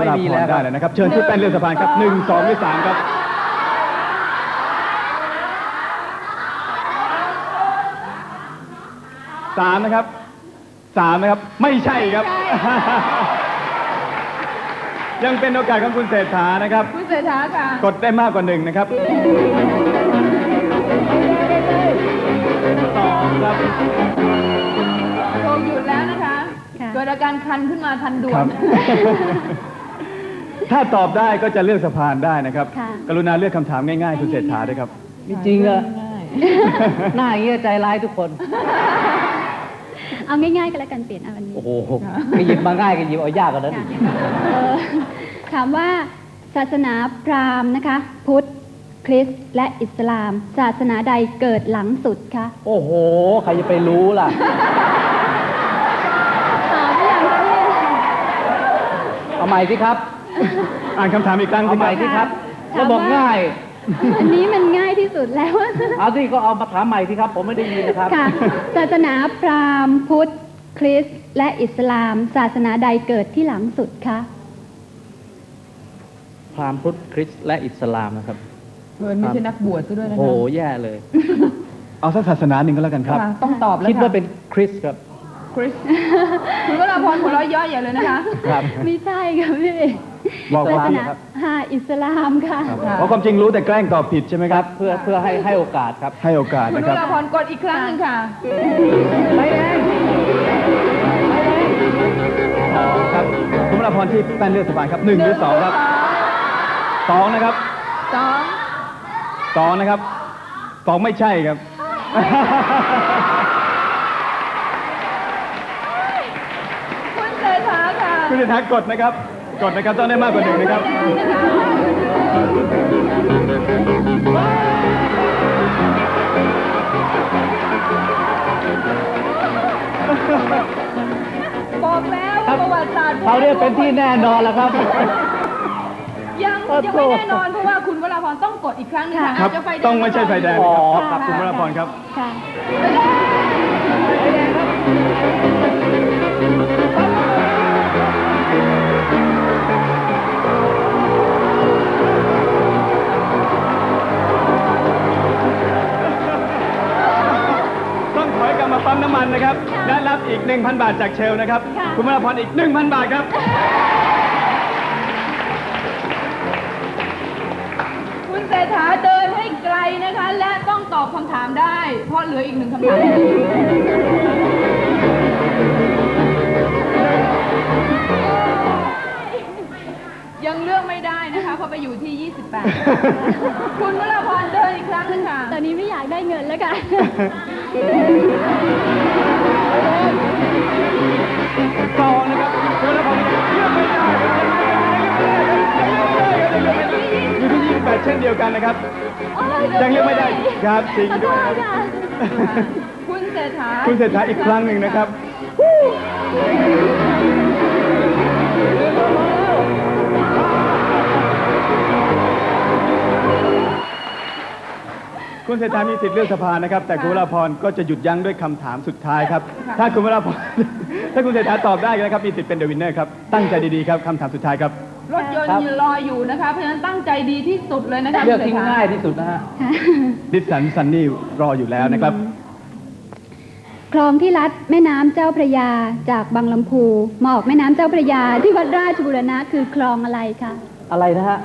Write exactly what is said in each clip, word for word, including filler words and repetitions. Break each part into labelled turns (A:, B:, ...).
A: วราพรได้เลยนะครับเชิญที่แป้นเลื่อนสะพานครับหนึ่งสองหรือสามครับสามนะครับสามนะครับไม่ใช่ครับยังเป็นโอกาสของคุณเศรษฐานะครับ
B: คุณเศรษฐาค่ะ
A: กดได้มากกว่าหนึ่งนะครับสองครับ
B: โชว์หยุดแล้วนะคะเกิดอาการคันขึ้นมาทันด่วน
A: ถ้าตอบได้ก็จะเลือกสะพานได้นะครับกรุณาเลือกคำถามง่ายๆคุณเศรษฐาด้วยครับ
C: ไม่จริงเหรอหน้าอย่างนี้ใจร้ายทุกคน
D: เอาง่ายๆก็แล้วกันเปลี่ยนเอาวันนี้
C: โอ้โหหยิบมาง่ายกันหยิบเอายากกว่านั้น
D: ถามว่าศาสนาพราหมณ์นะคะพุทธคริสต์และอิสลามศาสนาใดเกิดหลังสุดคะ
C: โอ้โหใครจะไปรู้ล่ะ
D: ตอบไม่อย่างนี้
C: เอาใหม่สิครับ
A: อ่านคำถามอีกครั้ง
C: เอาใหม่สิครับก็บอกง่าย
D: อันนี้มันง่ายที่สุดแล้ว
C: เอาสิก็เอามาถามใหม่สิครับผมไม่ได้ยินนะครับ
D: ค่ะศาสนาพราหมณ์พุทธคริสต์และอิสลามศาสนาใดเกิดที่หลังสุดคะ
C: พราหมณ์พุทธคริสต์และอิสลามนะครับ
B: เพื่อนไม่ใช่นักบวชซะด้วยนะ
C: โอ้แย่เลย
A: เอาสักศาสนาหนึ่งก็แล้วกันครับ
B: ต้องตอบแล้ว
C: คิดว่าเป็นคริสต์ครับ
B: คริสต์คุณวราพรหัวเราะย่อใหญ่เลยนะคะ
C: ครับ
D: ไม่ใช่ค่ะพี่
A: บอกว่า
D: ค่ะอิสลามค่ะ
A: เพราะความจริงรู้แต่แกล้งตอบผิดใช่ไหมครับ
C: เพื่อเพื่อให้ให้โอกาสครับ
A: ให้โอกาส
B: นะ
A: ครับคุณว
B: ราพรกดอีกครั้งหนึ่งค่ะ
C: ไม่แดง
A: ครับคุณวราพรที่แป้นเลือกสะพานครับหนึ่งหรือสองครับสองนะครับ
B: สอง
A: สองนะครับสองไม่ใช่ครับ
B: คุณเศรษฐาค่ะ
A: คุณเศรษฐากดนะครับกดนะครับต้องได้มากกว่าหนึ่งนะครับ
B: บอกแล้วประวัติศาสตร์
C: เขาเรียกเป็นที่แน่นอนแล้วครับ
B: ยังยังไม่แน่นอนเพราะว่าคุณวราพรต้องกดอีกครั้งนึงค่ะ
A: ครับต้องไม่ใช่ไฟแดงครับคุณวราพรครับ
D: ค่ะ
A: ต้องถอยกลับมาปั๊มน้ำมันนะครับและรับอีก หนึ่งพัน บาทจากเชลนะครับคุณวราพรอีก หนึ่งพัน บาทครับ
B: คุณเศรษฐาเดินให้ไกลนะคะและต้องตอบคำถามได้เพราะเหลืออีกหนึ่งคำถามยังเลือกไม่ได้นะคะเพราะไปอยู่ที่ยี่สิบแปดคุณวราพรเดินอีกครั้งนึงค่ะ
D: ตอนนี้ไม่อยากได้เงินแล้วค่ะ
A: ต่อนะครับคุณวราพรเลือกไม่ได้อยู่ที่ยี่สิบแปดเช่นเดียวกันนะครับยังเลือกไม่ได้ครับจริงด้วย
B: คุณเศรษฐา
A: คุณเศรษฐาอีกครั้งหนึ่งนะครับคุณเศรษฐามีสิทธิ์เลือกสะพานนะครับแต่คุณวราพรก็จะหยุดยั้งด้วยคำถามสุดท้ายครับถ้าคุณวราพรถ้าคุณเศรษฐาตอบได้นะครับมีสิทธิ์เป็นเดอะวินเนอร์ครับตั้งใจดีๆครับคำถามสุดท้ายครับ
B: รถยนต์รออยู่นะคะเพราะฉะนั้นตั้งใจดีที่สุดเลยนะคะ
C: เลือกที่ง่ายที่สุดนะฮะ
A: ดิสันซันนี่รออยู่แล้วนะครับ
D: คลองที่ลัดแม่น้ำเจ้าพระยาจากบางลำพูมาออกแม่น้ำเจ้าพระยาที่วัดราชบูรณะคือคลองอะไรคะ
C: อะไรนะฮะ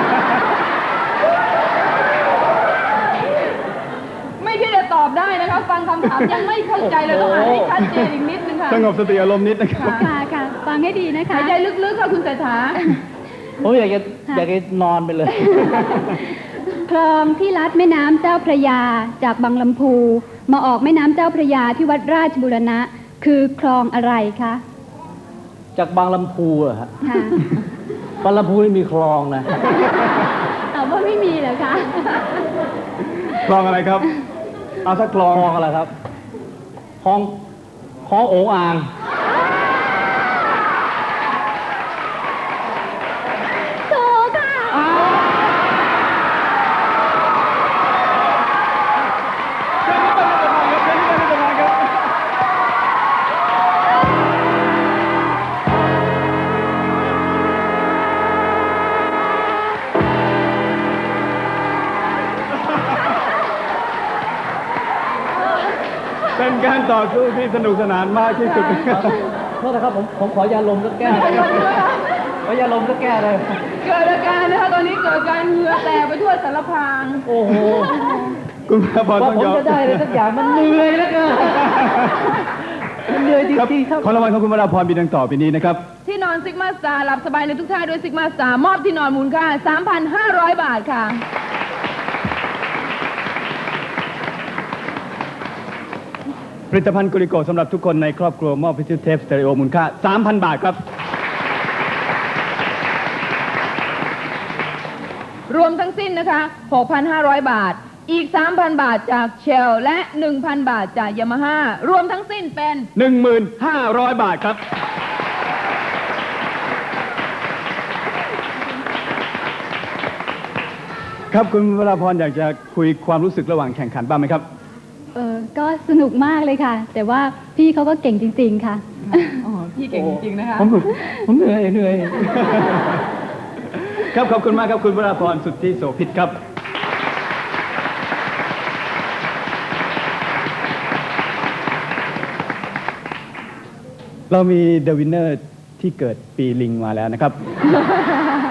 B: ไม่ที่จะตอบได้นะคะฟังคำถามยังไม่เข้าใจเลยต้องอ่านให้ชัดเจนอีกนิดนึงค่ะ
A: สงบสติอารมณ์นิดนะครับ
D: ค่ะค่ะฟังให้ดีนะคะ
B: หายใจลึกๆค่ะคุณเศรษฐา
C: ผมอยากจะอยากจะนอนไปเลย
D: คลองที่ลัดแม่น้ำเจ้าพระยาจากบางลำพูมาออกแม่น้ำเจ้าพระยาที่วัดราชบูรณะคือคลองอะไรคะ
C: จากบางลำพูอะฮะ
D: ค่ะ
C: บางลำพูไม่มีคลองนะ
D: ตอบว่าไม่มีเหรอคะ
A: คลองอะไรครับเอาสักคลอง
C: คลองอะไรครับคลองคลองโอ่งอ่าง
A: การต่อสู้ที่สนุกสนานมากที่สุด
C: โทษนะครับผมผมขอยาลมสักแก้วเลยขอยาลมสักแก้วเลย
B: เกิดอาการนะคะตอนนี้เกิดการเหงื่อแตกไปทั่วสารพราง
C: โอ้โห
A: คุณวราพร
C: ว่า
A: ต้อง
C: ผม
A: ยอม
C: จะได้เลยสักอย่างมันเหนื่อยแล้วเกินมันเหนื่อยจ
A: ครับ
C: ริงๆครับ
A: ของรางวัลของคุณวราพรมีดังต่อไปนี้นะครับ
B: ที่นอนซิกมาสตาร์หลับสบายในทุกท่าด้วยซิกมาสตาร์มอบที่นอนมูลค่า สามพันห้าร้อย บาทค่ะ
A: ผลิตภัณฑ์กุลิโกสำหรับทุกคนในครอบครัวมอบพิเศษเทปสเตอริโอมูลค่า สามพัน บาทครับ
B: รวมทั้งสิ้นนะคะ หกพันห้าร้อย บาท อีก สามพัน บาทจากเชลและ หนึ่งพัน บาทจากยามาฮ่ารวมทั้งสิ้นเป็น
A: หนึ่งหมื่นห้าร้อย บาทครับ ครับคุณวราพรอยากจะคุยความรู้สึกระหว่างแข่งขันบ้างไหมครับ
D: เออก็สนุกมากเลยค่ะ แต่ว่าพี่เขาก็เก่งจริง ๆ ค่ะ
B: อ๋อ พี่เก่งจริงๆนะคะ
C: ผมผมเหนื่อยเหนื่อย
A: ครับขอบคุณมากครับคุณวราพรสุทธิโสภิตครับ เรามีเดอะวินเนอร์ที่เกิดปีลิงมาแล้วนะครับ